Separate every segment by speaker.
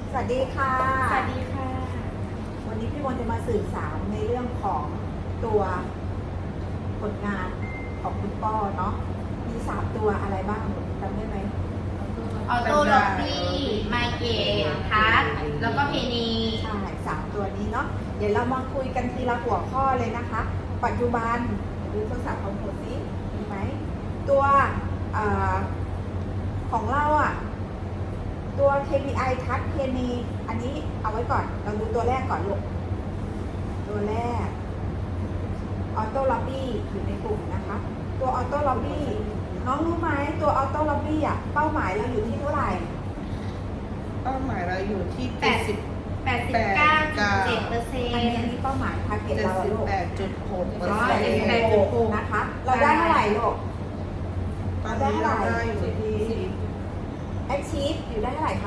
Speaker 1: สวัสดีค่ะ
Speaker 2: สวัสดีค่ะ
Speaker 1: วันนี้พี่มนต์จะมาสื่อสารในเรื่องของตัวผลงานของคุณป้อเนาะ มี3ตัวอะไรบ้างจำได้ไหม
Speaker 2: ออโต้ล็อบบี้ไมเกตทัชแล้วก็เพนี
Speaker 1: ใช่3ตัวนี้เนาะ เดี๋ยวเรามาคุยกันทีละหัวข้อเลยนะคะ ปัจจุบันดูโทรศัพท์ของผมสิมีไหม ตัวของเราอ่ะ ตัว KPI ทัชเพนีอันนี้เอาไว้ก่อน เราดูตัวแรกก่อนลูก ตัวแรกออโต้ล็อบบี้อยู่ในกลุ่มนะคะ ตัวออโต้ล็อบบี้น้องรู้ไหมตัวออโต้ล็อบบี้อ่ะเป้าหมายเราอยู่ที่เท่าไหร่
Speaker 3: เป้าหมายเราอยู่ที่
Speaker 2: 89.7%
Speaker 1: อันนี้เป้าหมายทาร์เก็ตเราอะลูก
Speaker 3: 78.6%
Speaker 1: นะคะ เราได้เท่าไหร่ลูก
Speaker 3: ตอนนี้เราได้อยู่ที่
Speaker 1: Achieve อยู่ได้เท่าไหร่คะ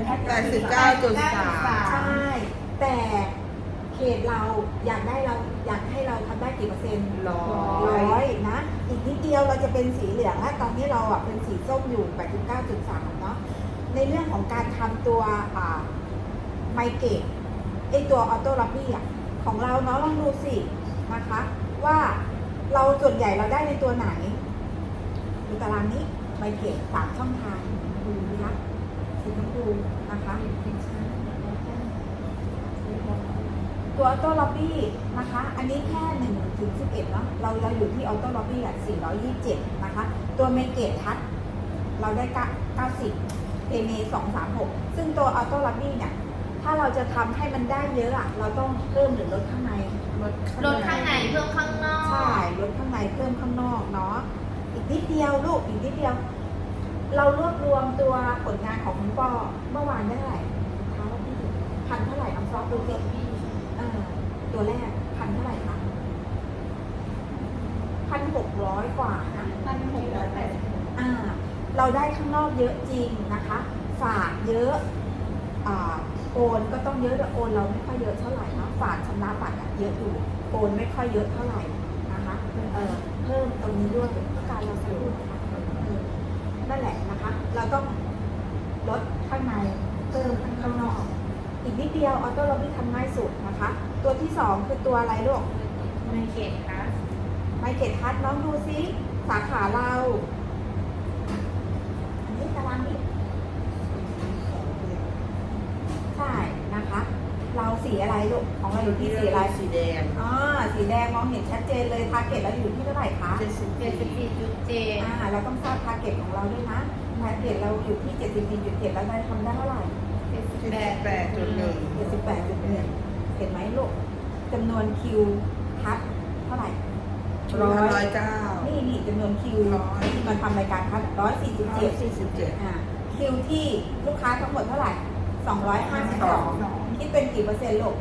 Speaker 3: 89.3
Speaker 1: ใช่ แต่เขตเราอยากให้เราทำได้กี่เปอร์เซ็นต์ 100นะ อีกนิดเดียวเราจะเป็นสีเหลืองแล้วตอนนี้เราอ่ะเป็นสีส้มอยู่ 89.3 เนาะ ในเรื่องของการทำตัวไมเกตไอตัวออโต้ล็อบบี้อ่ะของเราเนาะลองดูสินะคะ ว่าเราส่วนใหญ่เราได้ในตัวไหนดูตารางนี้ไมเกต3ช่องทางดูนะคะสีชมพูนะคะตัวออโต้ล็อบบี้นะคะ อันนี้แค่1 ถึง 11เนาะเราอยู่ที่ออโต้ล็อบบี้อ่ะ427นะคะ ตัวไมเกตทัชเราได้90เพเม236ซึ่งตัวออโต้ล็อบบี้เนี่ยถ้าเราจะทำให้มันได้เยอะอ่ะเราต้องเพิ่มหรือลดข้างใน
Speaker 2: ลดข้างในเพิ่มข้างนอก
Speaker 1: ใช่ลดข้างในเพิ่มข้างนอกเนาะอีกนิดเดียวลูกอีกนิดเดียว เรารวบรวมตัวผลงานของคุณปอเมื่อวานได้เท่าไหร่เท้าที่พันเท่าไหร่น้องซอฟดูสิตัวแรกพันเท่าไหร่คะ1,600 กว่านะเราได้ข้างนอกเยอะจริงนะคะฝากเยอะโอนก็ต้องเยอะแต่โอนเราไม่ค่อยเยอะเท่าไหร่นะฝากชำระบัตรเยอะอยู่โอนไม่ค่อยเยอะเท่าไหร่นะคะเพิ่มตรงนี้ด้วยต้องการเราสรุปนั่นแหละนะคะ เราต้องลดข้างในเพิ่มข้างนอกอีกนิดเดียวออโต้ล็อบบี้ทำง่ายสุดนะคะ ตัวที่2คือตัวอะไรลูก
Speaker 2: ไมเกตทัช
Speaker 1: ไมเกตทัชน้องดูซิสาขาเราอันนี้ตารางนี้ใช่นะคะ เราสีอะไรลูกของเราอยู่ที่สีอะไร
Speaker 3: สีแดง
Speaker 1: สีแดงมองเห็นชัดเจนเลยทาร์เก็ตเราอยู่ที่เท่าไหร่คะ
Speaker 2: 74.7
Speaker 1: เราต้องทราบทาร์เก็ตของเราด้วยนะทาร์เก็ตเราอยู่ที่ 74.7 แล้วได้ทำได้เท่าไหร่
Speaker 3: 78.1
Speaker 1: 78.1 เห็นไหมลูกจำนวนคิวทัชเท่าไหร่
Speaker 3: 109
Speaker 1: นี่จำนวนคิวที่มันทำรายการทัช147 คิวที่ลูกค้าทั้งหมดเท่าไหร่ 252 คิดเป็นกี่เปอร์เซ็นต์ลูก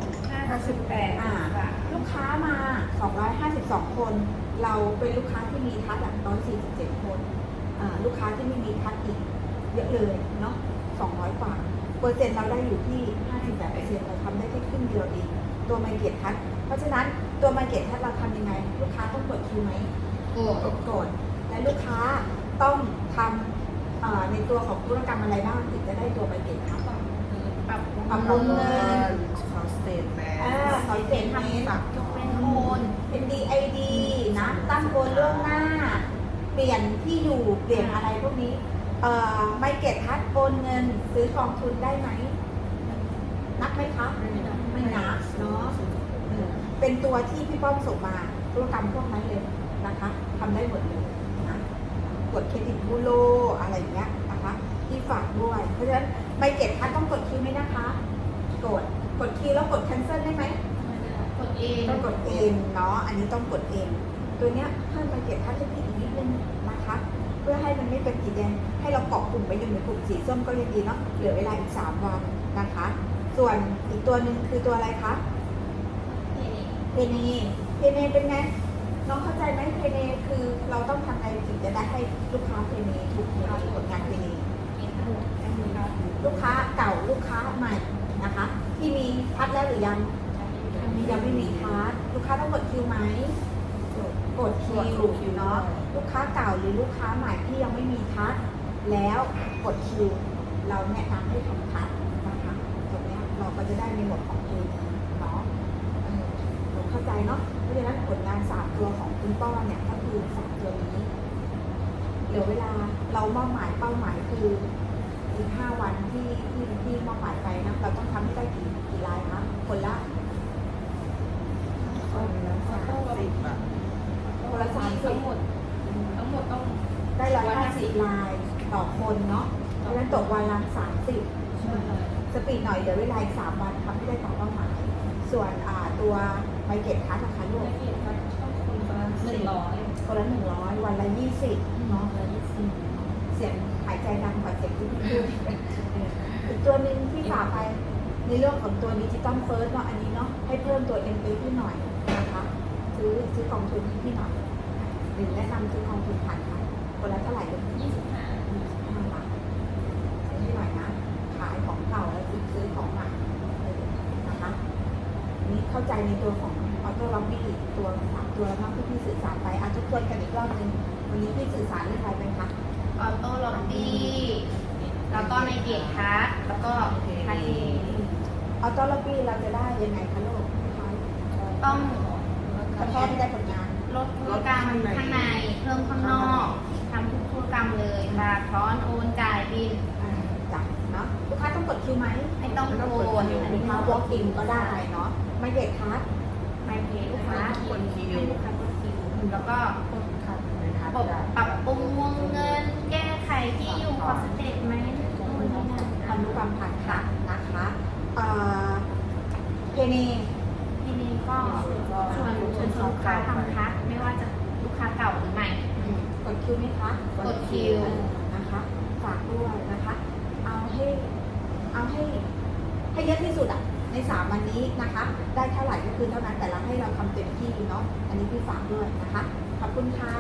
Speaker 2: 58
Speaker 1: ลูกค้ามา 252 คน เราเป็นลูกค้าที่มีทัช147 คนลูกค้าที่ไม่มีทัชอีกเยอะเลยเนาะ200 กว่าเปอร์เซ็นต์เราได้อยู่ที่ 58% เราทำได้แค่ครึ่งเดียวเองตัวไมเกตทัชเพราะฉะนั้นตัวไมเกตทัชเราทำยังไง ลูกค้าต้องกดคิวไหมกดและลูกค้าต้องทำในตัวของธุรกรรมอะไรบ้างถึงจะได้ตัวไมเกตทัชปรับปรุงเงิน
Speaker 3: ขอสเตทแมน
Speaker 1: ขอเปลี่ยนทำฝาก
Speaker 2: เป็นโอน
Speaker 1: เป็น DID นะตั้งโอนล่วงหน้า เปลี่ยนที่อยู่เปลี่ยนอะไรพวกนี้ไมเกตทัชโอนเงินซื้อกองทุนได้ไหมนับไหมคะไม่นับเนาะเป็นตัวที่พี่ป้อมส่งมาธุรกรรมพวกนั้นเลยนะคะทำได้หมดเลยนะกดเครดิตบูโรอะไรอย่างเงี้ยนะคะที่ฝากด้วยเพราะฉะนั้นไมเกตทัชต้องกดคิวไหมนะคะกดคิวแล้วกด cancel ได้ไหม
Speaker 2: กดเอง
Speaker 1: ต้องกดเองเนาะ อันนี้ต้องกดเอง ตัวเนี้ยเพิ่มไมเกตทัชให้พี่อีกนิดนึงนะคะ เพื่อให้มันไม่เป็นสีแดง ให้เราเกาะกลุ่มไปอยู่ในกลุ่มสีส้มก็ยังดีเนาะ เหลือเวลาอีก3 วันนะคะ ส่วนอีกตัวหนึ่งคือตัวอะไรคะเพเนเป็นไง น้องเข้าใจไหมเพเนคือเราต้องทำไงถึงจะได้ให้ลูกค้าเพเนถูกผลงานเพเนลูกค้าเก่าลูกค้าใหม่นะคะ ที่มีทัชแล้วหรือยังไม่มีทัชลูกค้าต้องกดคิวไหมกดคิวเนาะลูกค้าเก่าหรือลูกค้าใหม่ที่ยังไม่มีทัชแล้วกดคิวเราแนะนำให้ทำทัชนะคะในหมวดของเพนีเนาะหนูเข้าใจเนาะเพราะฉะนั้นผลงาน3ตัวของคุณป้อเนี่ยก็คือ3ตัวนี้เหลือเวลาเรามอบหมายเป้าหมายคืออีก5 วันที่มอบหมายไปนะเราต้องทำให้ได้กี่ลายคะคนละ
Speaker 3: คนละ30อ่ะ
Speaker 1: คนละ30
Speaker 2: ทั้งหมดต้อง
Speaker 1: ได้150 ลายต่อคนเนาะเพราะฉะนั้นตกวันละ30 สปีดหน่อยเดี๋ยวเวลาอีก3 วันทำให้ได้ตามเป้าหมาย ส่วนตัวไมเกตทัสนะคะลูกคนละ100 วันละ20เนาะเสียงหายใจดังกว่าเสียงที่พี่พูดอีกตัวหนึ่งที่ฝากไปในเรื่องของตัวดิจิตอลเฟิร์สเนาะอันนี้เนาะให้เพิ่มตัว M ไปที่หน่อยนะคะซื้อกองทุนให้พี่หน่อยหรือแนะนำซื้อกองทุนผ่านค่ะคนละเท่าไหร่ลูก25 บาทซื้อให้หน่อยนะขายของเก่าแล้วซื้อของใหม่นะคะนี่เข้าใจในตัวของออโต้ล็อบบี้ตัว3 ตัวแล้วที่พี่สื่อสารไปทุกคนกันอีกรอบนึงวันนี้พี่สื่อสารเรื่องอะไรไปคะ
Speaker 2: ออโต้ล็อบบี้แล้วก็ในเกตทัสแล้วก็ทัสเอง
Speaker 1: ออโต้ล็อบบี้เราจะได้ยังไงคะลูก
Speaker 2: ต้อง
Speaker 1: กระแทกไม่ได้ผลงาน
Speaker 2: ลดธุรกรรมข้างในเพิ่มข้างนอกทำทุกธุรกรรมเลยค่ะถอนโอนจ่ายบิน
Speaker 1: จับเนาะลูกค้าต้องกดคิวไหม
Speaker 2: ไม่ต้องโอน
Speaker 1: อันนี้มาบล็อกอินก็ได้เนาะไม่เด็ดคัส
Speaker 2: ไม่เพย์ลูกค้า
Speaker 3: คนคิว
Speaker 2: ให้ลูกค้ากดคิวแล้วก็
Speaker 1: คัสเลยค่ะ
Speaker 2: ปรับปรุงวงเงิน แก้ไขที่อยู่ขอสเตทเมนต์นู่นนี่นั่น
Speaker 1: ทำธุรกรรมผ่านค่ะนะคะเพนี
Speaker 2: ทีนี้ก็ชวนลูกค้าทำคัสไม่ว่าจะลูกค้าเก่าหรือใหม่
Speaker 1: กดคิวไหมคะ
Speaker 2: กดคิว
Speaker 1: นะคะฝากด้วยนะคะ เอาให้เยอะที่สุดอ่ะใน3 วันนี้นะคะ ได้เท่าไหร่ก็คือเท่านั้นแต่เราให้เราทำเต็มที่เนาะอันนี้พี่ฝากด้วยนะคะขอบคุณค่ะ